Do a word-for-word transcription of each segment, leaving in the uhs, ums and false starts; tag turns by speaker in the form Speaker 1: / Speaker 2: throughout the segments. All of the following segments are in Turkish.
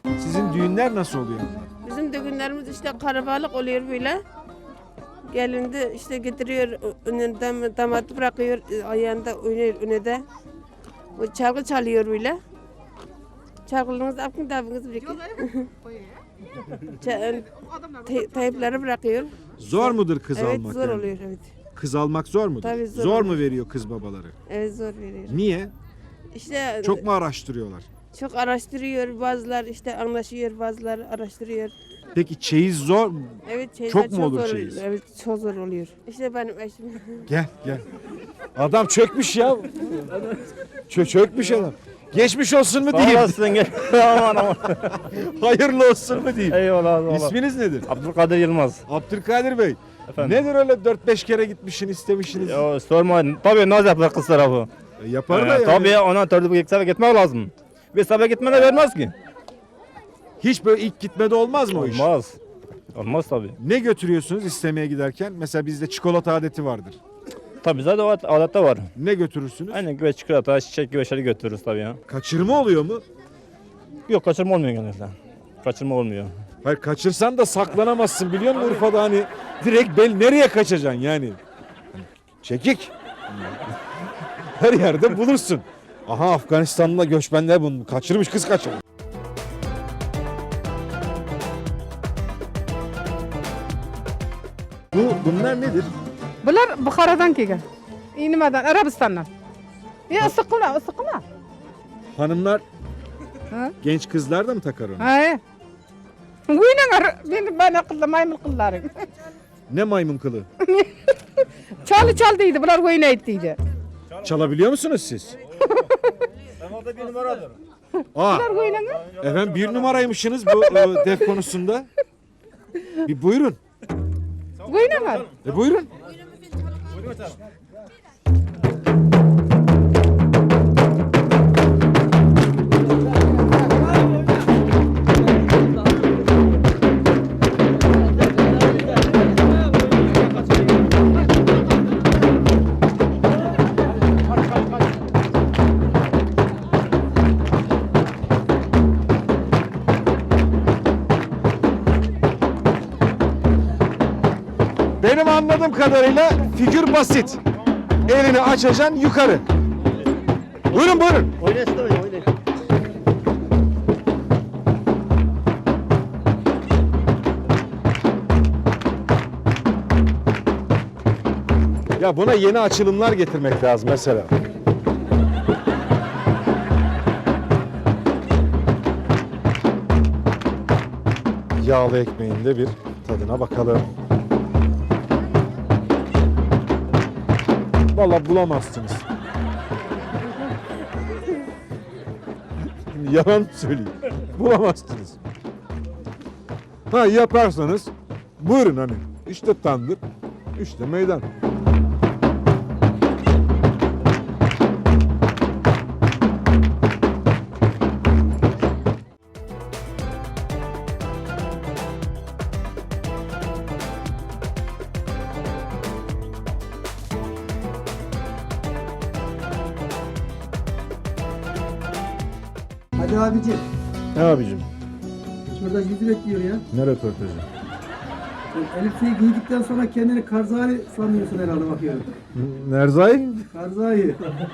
Speaker 1: Sizin düğünler nasıl oluyor?
Speaker 2: Bizim düğünlerimiz işte karabalık oluyor böyle. Gelindi işte getiriyor önünden damat bırakıyor ayağında oynuyor önünde. O çalgı çalıyor böyle. Çalgılarınızı apın tabınızı bırakıyor. Teypleri bırakıyor.
Speaker 1: Zor mudur kız
Speaker 2: Evet
Speaker 1: almak?
Speaker 2: zor
Speaker 1: yani?
Speaker 2: oluyor evet.
Speaker 1: Kız almak zor mudur?
Speaker 2: Tabii zor
Speaker 1: zor
Speaker 2: oluyor.
Speaker 1: mu veriyor kız babaları?
Speaker 2: Evet zor veriyor.
Speaker 1: Niye?
Speaker 2: İşte
Speaker 1: Çok mu araştırıyorlar?
Speaker 2: çok araştırıyor bazılar işte anlaşıyor bazıları araştırıyor.
Speaker 1: Peki çeyiz zor mu?
Speaker 2: Evet şeyler
Speaker 1: Çok mu olur
Speaker 2: zor
Speaker 1: çeyiz?
Speaker 2: oluyor. Evet çok zor oluyor. İşte benim eşim.
Speaker 1: Gel gel. Adam çökmüş ya. Çö çökmüş adam. Geçmiş olsun mu diyeyim?
Speaker 3: Olasın gel. Aman aman.
Speaker 1: Hayırlı olsun mu diyeyim?
Speaker 3: Eyvallah eyvallah.
Speaker 1: İsminiz nedir?
Speaker 3: Abdülkadir Yılmaz.
Speaker 1: Abdülkadir Bey.
Speaker 3: Efendim?
Speaker 1: Nedir öyle dört beş kere gitmişsin istemişsiniz?
Speaker 3: Ya sorma. Tabii naz yapar kız tarafı.
Speaker 1: E, yapar da
Speaker 3: Ee,
Speaker 1: yani.
Speaker 3: Tabii ona törde bir sefer gitmek lazım. Bir sefer gitmene vermez ki.
Speaker 1: Hiç böyle ilk gitmede olmaz mı o iş?
Speaker 3: Olmaz. Olmaz tabii.
Speaker 1: Ne götürüyorsunuz istemeye giderken? Mesela bizde çikolata adeti vardır.
Speaker 3: Tabii zaten o adette var.
Speaker 1: Ne götürürsünüz?
Speaker 3: Aynen güveç, çikolata, çiçek gibi şeyleri götürürüz tabii ya.
Speaker 1: Kaçırma oluyor mu?
Speaker 3: Yok kaçırma olmuyor genelde. Kaçırma olmuyor.
Speaker 1: Hayır kaçırsan da saklanamazsın biliyor musun Urfa'da hani direkt bel nereye kaçacaksın yani? Çekik. Her yerde bulursun. Aha Afganistan'da göçmenler bunu kaçırmış kız kaçırmış. Bu bunlar nedir?
Speaker 4: Bunlar Bukhara'dan kelgan. Nimadan? Arabistan'dan. Ya ıssiqlar, ıssiqlar.
Speaker 1: Hanımlar
Speaker 4: Ha?
Speaker 1: genç kızlar da mı takar onu?
Speaker 4: Ha. O'ynagar, meni bana qildi, maymun qillaring.
Speaker 1: Ne maymun kılı?
Speaker 4: Çal çal deydi, bular o'ynaydi deydi.
Speaker 1: Çalabiliyor musunuz siz?
Speaker 3: Orada bir numaradır.
Speaker 1: Aa,
Speaker 4: Bular o'ynagar.
Speaker 1: efendim bir numaraymışsınız bu e, def konusunda. Bir buyurun.
Speaker 4: O'ynagar.
Speaker 1: E buyurun. Benim anladığım kadarıyla figür basit. Elini açacaksın yukarı. Buyurun buyurun.
Speaker 3: Oynasın oyna oyna.
Speaker 1: Ya buna yeni açılımlar getirmek lazım mesela. Yağlı ekmeğin de bir tadına bakalım. Vallahi bulamazsınız. Yalan mı söyleyeyim? Bulamazsınız. Ha yaparsanız buyurun hani. İşte tandır, işte meydan.
Speaker 5: Hadi abicim,
Speaker 1: Ne abicim?
Speaker 5: şurada yüzü bekliyor ya.
Speaker 1: Ne röportajı?
Speaker 5: Sen elbiseyi giydikten sonra kendini Karzai sanıyorsun herhalde bakıyorum.
Speaker 1: Nerzai?
Speaker 5: Karzai.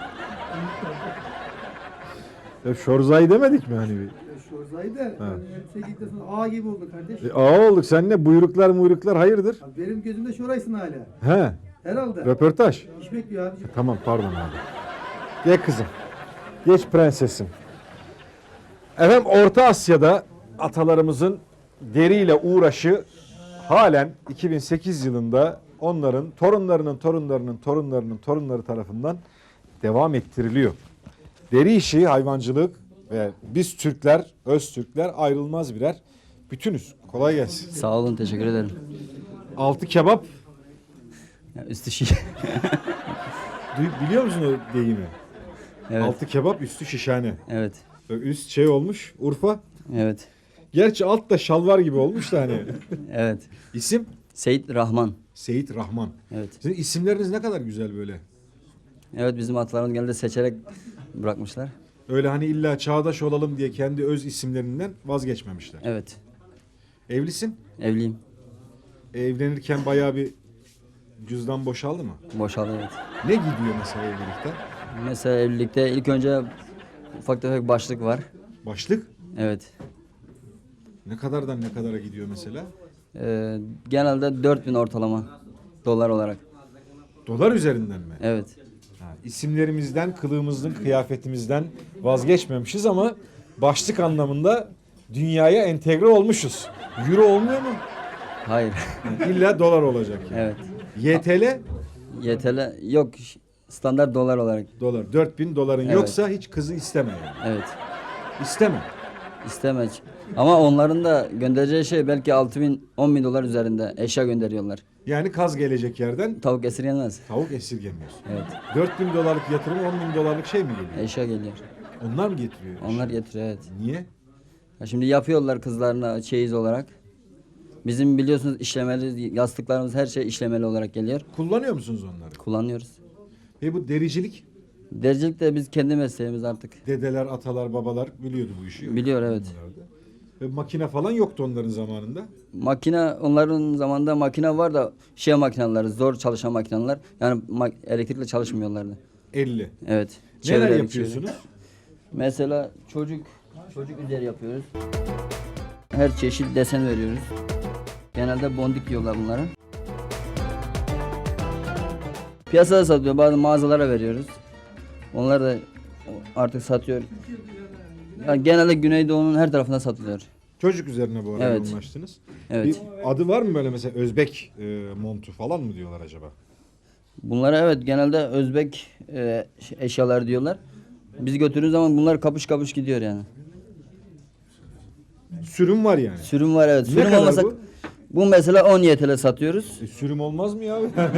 Speaker 1: Ya Şorzai demedik mi hani bir?
Speaker 5: Şorzai de yani elbiseyi giydikten sonra ağa gibi oldu kardeş.
Speaker 1: E, ağa olduk sen ne buyruklar muyruklar hayırdır?
Speaker 5: Abi benim gözümde şoraysın hala.
Speaker 1: He
Speaker 5: Herhalde.
Speaker 1: röportaj.
Speaker 5: İş bekliyor abicim.
Speaker 1: Tamam pardon abi. Gel kızım. Geç prensesim. Efendim Orta Asya'da atalarımızın deriyle uğraşı halen iki bin sekiz yılında onların torunlarının torunlarının torunlarının torunları tarafından devam ettiriliyor. Deri işi, hayvancılık ve biz Türkler, öz Türkler ayrılmaz birer bütünüz. Kolay gelsin.
Speaker 6: Sağ olun, teşekkür ederim.
Speaker 1: Altı kebap,
Speaker 6: Ya üstü şiş.
Speaker 1: duy- biliyor musun o deyimi?
Speaker 6: Evet,
Speaker 1: Altı kebap, üstü şişhane.
Speaker 6: evet,
Speaker 1: Üst şey olmuş, Urfa.
Speaker 6: evet,
Speaker 1: Gerçi alt da şalvar gibi olmuş da hani.
Speaker 6: evet.
Speaker 1: İsim?
Speaker 6: Seyit Rahman.
Speaker 1: Seyit Rahman.
Speaker 6: Evet.
Speaker 1: Sizin isimleriniz ne kadar güzel böyle.
Speaker 6: Evet, bizim atalarımız genelde seçerek bırakmışlar.
Speaker 1: Öyle hani illa çağdaş olalım diye kendi öz isimlerinden vazgeçmemişler.
Speaker 6: Evet.
Speaker 1: Evlisin.
Speaker 6: Evliyim.
Speaker 1: Evlenirken bayağı bir cüzdan boşaldı mı?
Speaker 6: Boşaldı, evet.
Speaker 1: Ne gidiyor mesela evlilikte?
Speaker 6: Mesela evlilikte ilk önce ufak tefek başlık var.
Speaker 1: Başlık?
Speaker 6: Evet.
Speaker 1: Ne kadardan ne kadara gidiyor mesela?
Speaker 6: Ee, genelde dört bin ortalama dolar olarak.
Speaker 1: Dolar üzerinden mi?
Speaker 6: Evet.
Speaker 1: Ha, isimlerimizden, kılığımızdan, kıyafetimizden vazgeçmemişiz ama başlık anlamında dünyaya entegre olmuşuz. Euro olmuyor mu?
Speaker 6: Hayır.
Speaker 1: İlla dolar olacak yani.
Speaker 6: Evet.
Speaker 1: Y T L
Speaker 6: Y T L yok, standart dolar olarak.
Speaker 1: dolar. dört bin doların
Speaker 6: Evet.
Speaker 1: yoksa hiç kızı isteme yani.
Speaker 6: Evet.
Speaker 1: İsteme.
Speaker 6: İstemez. Ama onların da göndereceği şey belki altı bin on bin dolar üzerinde eşya gönderiyorlar.
Speaker 1: Yani kaz gelecek yerden
Speaker 6: Tavuk esirgenmez.
Speaker 1: tavuk esirgemiyorsun.
Speaker 6: Evet.
Speaker 1: dört bin dolarlık yatırım on bin dolarlık şey mi geliyor?
Speaker 6: Eşya geliyor.
Speaker 1: Onlar mı getiriyor?
Speaker 6: Onlar getiriyor, evet.
Speaker 1: Niye?
Speaker 6: Ya şimdi yapıyorlar kızlarına çeyiz olarak. Bizim biliyorsunuz işlemeli yastıklarımız, her şey işlemeli olarak geliyor.
Speaker 1: Kullanıyor musunuz onları?
Speaker 6: Kullanıyoruz.
Speaker 1: Ve bu dericilik,
Speaker 6: Dericilik de biz kendi mesleğimiz artık.
Speaker 1: dedeler, atalar, babalar biliyordu bu işi.
Speaker 6: Biliyor, evet.
Speaker 1: Ve makine falan yoktu onların zamanında.
Speaker 6: Makine, onların zamanında makine var da şey makineleri, zor çalışan makineler. Yani ma- elektrikle çalışmıyorlardı.
Speaker 1: elli.
Speaker 6: Evet.
Speaker 1: Neler
Speaker 6: Çevirerek,
Speaker 1: yapıyorsunuz?
Speaker 6: çevirerek. Mesela çocuk çocuk üzeri yapıyoruz. Her çeşit desen veriyoruz. Genelde bondik diyorlar bunlara. Piyasada satıyor, bazı mağazalara veriyoruz. Onlar da artık satıyor. Yani genelde Güneydoğu'nun her tarafında satılıyor.
Speaker 1: Çocuk üzerine bu arada
Speaker 6: Evet.
Speaker 1: yoğunlaştınız.
Speaker 6: Evet.
Speaker 1: Bir adı var mı böyle mesela Özbek e, montu falan mı diyorlar acaba?
Speaker 6: Bunlara evet genelde Özbek e, eşyalar diyorlar. Biz götürdüğümüz zaman bunlar kapış kapış gidiyor yani.
Speaker 1: Sürüm var yani.
Speaker 6: Sürüm var, evet.
Speaker 1: Ne
Speaker 6: Sürüm
Speaker 1: kadar
Speaker 6: olmasa
Speaker 1: bu?
Speaker 6: bu mesela on Y T L satıyoruz.
Speaker 1: E, sürüm olmaz mı ya?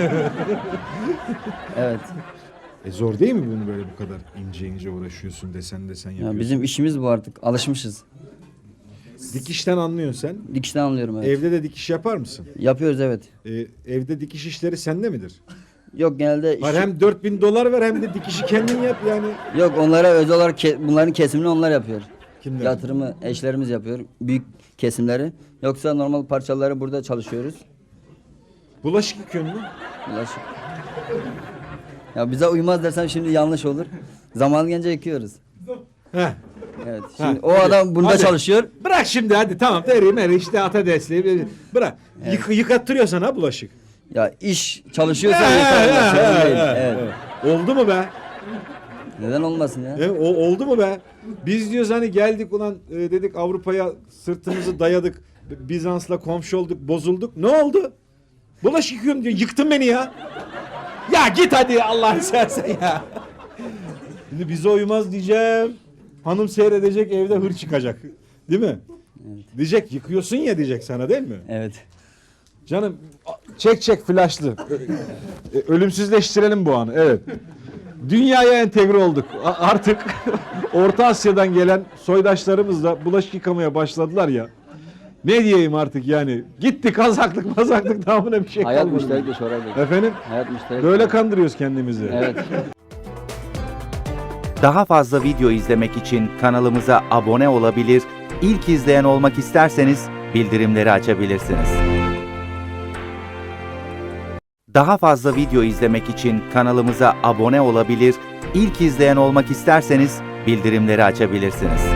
Speaker 6: Evet.
Speaker 1: e, zor değil mi bunu böyle bu kadar ince ince uğraşıyorsun, desen desen
Speaker 6: Ya
Speaker 1: yapıyorsun?
Speaker 6: bizim işimiz bu artık. Alışmışız.
Speaker 1: Dikişten anlıyorsun sen.
Speaker 6: Dikişten anlıyorum, evet.
Speaker 1: Evde de dikiş yapar mısın?
Speaker 6: Yapıyoruz, evet.
Speaker 1: E, evde dikiş işleri sende midir?
Speaker 6: Yok genelde
Speaker 1: Var
Speaker 6: işi-
Speaker 1: hem dört bin dolar ver hem de dikişi kendin yap yani.
Speaker 6: yok, onlara özel olarak ke- bunların kesimini onlar yapıyor.
Speaker 1: Kimler?
Speaker 6: Yatırımı eşlerimiz yapıyor. Büyük kesimleri. Yoksa normal parçaları burada çalışıyoruz.
Speaker 1: Bulaşık yıkıyorsun mu?
Speaker 6: Bulaşık. Ya bize uymaz dersem şimdi yanlış olur. Zaman gelince yıkıyoruz.
Speaker 1: Heh.
Speaker 6: Evet.
Speaker 1: Ha,
Speaker 6: Şimdi o
Speaker 1: hadi,
Speaker 6: adam bunda
Speaker 1: hadi.
Speaker 6: çalışıyor.
Speaker 1: Bırak şimdi hadi tamam deri meri işte ata desteği bırak. Yık, yıkattırıyor sana bulaşık.
Speaker 6: Ya iş çalışıyorsa
Speaker 1: He,
Speaker 6: yıkar.
Speaker 1: he,
Speaker 6: Sorun
Speaker 1: he,
Speaker 6: değil.
Speaker 1: he,
Speaker 6: Evet.
Speaker 1: he. Oldu mu be?
Speaker 6: Neden olmasın ya?
Speaker 1: E, o, oldu mu be? Biz diyoruz hani geldik ulan e, dedik Avrupa'ya sırtımızı dayadık. Bizans'la komşu olduk bozulduk. Ne oldu? Bulaşık yıkıyorum diyor. Yıktın beni ya. Ya git hadi Allah'ını seversen ya. Şimdi bize uymaz diyeceğim. Hanım seyredecek evde hır çıkacak. Değil mi?
Speaker 6: Evet.
Speaker 1: Diyecek yıkıyorsun ya diyecek sana değil mi?
Speaker 6: Evet.
Speaker 1: Canım çek çek flaşlı. E, Ölümsüzleştirelim bu anı. Evet. Dünyaya entegre olduk. A- artık Orta Asya'dan gelen soydaşlarımız da bulaşık yıkamaya başladılar ya. Ne diyeyim artık yani. Gitti kazaklık mazaklık tamamına bir şey
Speaker 6: Hayat
Speaker 1: kalmadı.
Speaker 6: müşterek de Şoray Bey.
Speaker 1: Efendim?
Speaker 6: Hayat müşterek.
Speaker 1: Böyle kandırıyoruz kendimizi.
Speaker 6: Evet.
Speaker 7: Daha fazla video izlemek için kanalımıza abone olabilir, ilk izleyen olmak isterseniz bildirimleri açabilirsiniz. Daha fazla video izlemek için kanalımıza abone olabilir, ilk izleyen olmak isterseniz bildirimleri açabilirsiniz.